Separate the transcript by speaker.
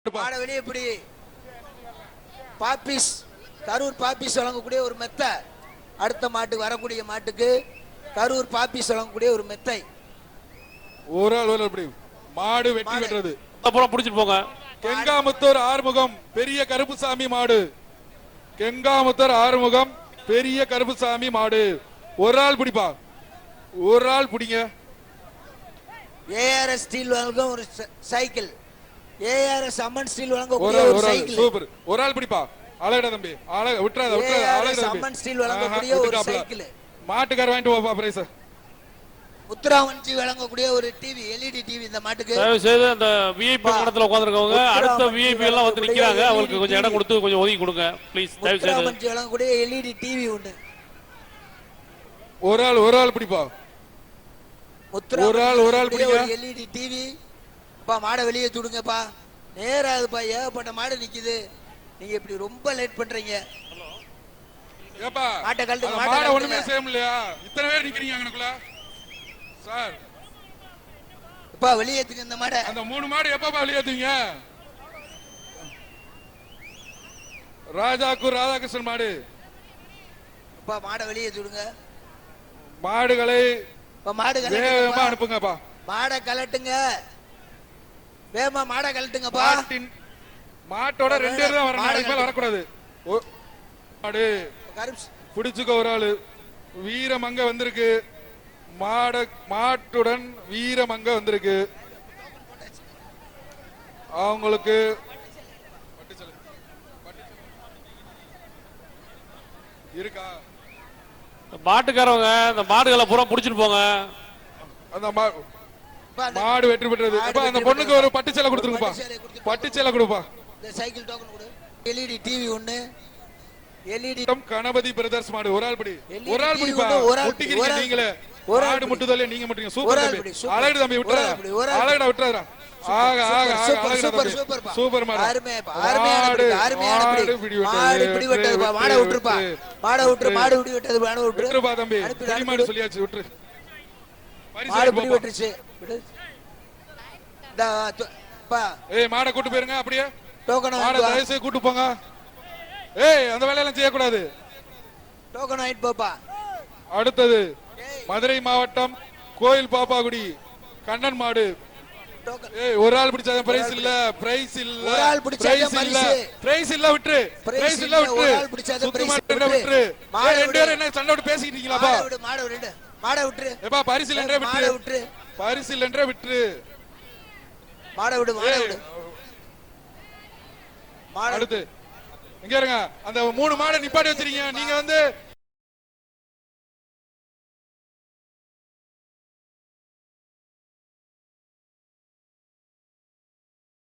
Speaker 1: எப்படி பாப்பிஸ் கரூர் பாப்பிஸ் வழங்கக்கூடிய ஒரு மெத்தை, அடுத்த மாட்டுக்கு வரக்கூடிய மாட்டுக்கு கரூர் பாப்பிஸ் வழங்கக்கூடிய ஒரு மெத்தை.
Speaker 2: ஒரு ஆள் எப்படி மாடு வெட்டி வெட்டுறது
Speaker 3: புடிச்சிட்டு போங்க.
Speaker 2: கெங்காமுத்தூர் ஆறுமுகம் பெரிய கருப்புசாமி மாடு. கெங்காமுத்தூர் ஆறுமுகம் பெரிய கருப்புசாமி மாடு. ஒரு ஆள் பிடிப்பா, ஒரு ஆள் பிடிங்க.
Speaker 1: ஏஆர்எஸ் ஸ்டீல் வழங்கும் ஒரு சைக்கிள். ஏஆர்எஸ் அம்மன் ஸ்டீல் வழங்கக்கூடிய ஒரு சைக்கிள்.
Speaker 2: சூப்பர். ஒரு ஆள் பிடிப்பா. அழகடா தம்பி, அழக விட்டுறாத விட்டுறாத. அழகடா தம்பி,
Speaker 1: அம்மன் ஸ்டீல் வழங்கக்கூடிய ஒரு சைக்கிள்.
Speaker 2: மாட்டுக்கார வாங்கிட்டு போப்பா பிரைஸ்.
Speaker 1: முத்துராமன்ஜி வழங்கக்கூடிய ஒரு டிவி, எல்இடி டிவி. இந்த மாட்டுக்கு
Speaker 3: தயவு செய்து அந்த விஐபி இடத்துல உட்கார்ந்திருக்கவங்க அடுத்த விஐபி எல்லாம் வந்து நிக்கிறாங்க, அவங்களுக்கு கொஞ்சம் இடம் கொடுத்து கொஞ்சம் ஒதுக்கி கொடுங்க ப்ளீஸ். தயவு செய்து
Speaker 1: முத்துராமன்ஜி வழங்கக்கூடிய எல்இடி டிவி உண்டு.
Speaker 2: ஒரு ஆள் பிடிப்பா. ஒரு ஆள் பிடிங்க.
Speaker 1: LED TV. பா மாடை வெளியே தூடுங்கப்பா. நேரா அதுப்பா, ஏகப்பட்ட மாடு நிக்குது. நீங்க இப்படி ரொம்ப லேட் பண்றீங்க.
Speaker 2: ஏப்பா
Speaker 1: மாட்டை கழட்டுங்க.
Speaker 2: மாடை ஒண்ணுமே செய்ய முடியலையா? இத்தனை பேர் நிக்கிறீங்க அங்கனக்குள்ள சார்.
Speaker 1: அப்பா வெளியேத்துங்க இந்த மாடை.
Speaker 2: அந்த 3 மாடு எப்பப்பா வெளியேத்துவீங்க? ராஜாக்கூர் ராதாகிருஷ்ணன் மாடு.
Speaker 1: அப்பா மாடை வெளியே தூடுங்க.
Speaker 2: மாடுகளை
Speaker 1: வேகமா
Speaker 2: அனுப்புங்கப்பா.
Speaker 1: மாடை கலட்டுங்க, வேகமா மாடை கலட்டுங்கப்பா.
Speaker 2: மாட்டோட 2 பேர் தான் வரணும், அதுக்கு மேல வரக்கூடாது. மாடு பிடிச்சுக்க. ஒரு ஆளு வீரமங்க வந்திருக்கு. மாட்டுடன் வீரமங்க வந்திருக்கு. அவங்களுக்கு இருக்கா?
Speaker 3: மாட்டுக்காரவங்க இந்த மாடுகளை பூரா புடிச்சிட்டு போங்க.
Speaker 2: அந்த மாடு வெற்றி பெற்றது. அந்த பொண்ணுக்கு ஒரு பட்டு சேலை கொடுத்துருங்கப்பா. பட்டு சேலை கொடுப்பா.
Speaker 1: இந்த சைக்கிள் டோக்கன் கொடு. எல்இடி டிவி ஒண்ணு. எல்இடி
Speaker 2: கணபதி பிரதர்ஸ் மாடு. ஒரு ஆள் பிடி. ஒரு ஆள் பிடிப்பா. ஒட்டிக்கிறீங்க நீங்களே. மாடு முட்டுதல்ல நீங்க முட்டுறீங்க. சூப்பர் தம்பி. அழகு தம்பி விட்டுறாத. அழகுடா விட்டுறாதடா. ஆக ஆக ஆக சூப்பர் மாடு.
Speaker 1: அருமையான பிடி. மாடு பிடி வெட்டதுப்பா. மாடை விட்டுருப்பா. மாடை விட்டுரு. மாடு பிடி வெட்டது. மாடை விட்டுரு.
Speaker 2: விட்டுருப்பா தம்பி. பிடி மாடு சொல்லியாச்சு, விட்டுரு.
Speaker 1: மாடு பிடி வெட்டுச்சு. விடு.
Speaker 2: ஏய் மாடை கூட்டி போயிருங்க. அப்படியே
Speaker 1: டோக்கன்
Speaker 2: மாடை தயவு செய்து கூட்டி போங்க. ஏய் அந்த வேலையெல்லாம் செய்யக்கூடாது.
Speaker 1: டோக்கன் வாங்கிட்டு போப்பா.
Speaker 2: அடுத்தது மதுரை மாவட்டம் கோயில் பாப்பாகுடி கண்ணன் மாடு. ஏய் ஒரு ஆள் பிடிச்சாத பிரைஸ் இல்ல. பிரைஸ் இல்ல.
Speaker 1: ஒரு ஆள் பிடிச்சாத
Speaker 2: பிரைஸ் இல்ல. பிரைஸ் இல்ல. விட்டுரு. பிரைஸ் இல்ல. விட்டுரு.
Speaker 1: ஒரு ஆள் பிடிச்சாத பிரைஸ்
Speaker 2: விட்டுரு. மாடு 2 பேரும் என்ன சண்டை விட்டு பேசிட்டு இருக்கீங்களாப்பா?
Speaker 1: மாடு விடு. மாடை விட்டுரு.
Speaker 2: ஏப்பா பரிசு இல்லன்றே விட்டுரு.
Speaker 1: மாடை விட்டுரு.
Speaker 2: பரிசு இல்லன்றே விட்டுரு.
Speaker 1: மாடை விடு. மாடை விடு.
Speaker 2: அடுத்து இங்க இருங்க. அந்த 3 மாடை நிப்பாட்டி வச்சிருக்கீங்க. நீங்க வந்து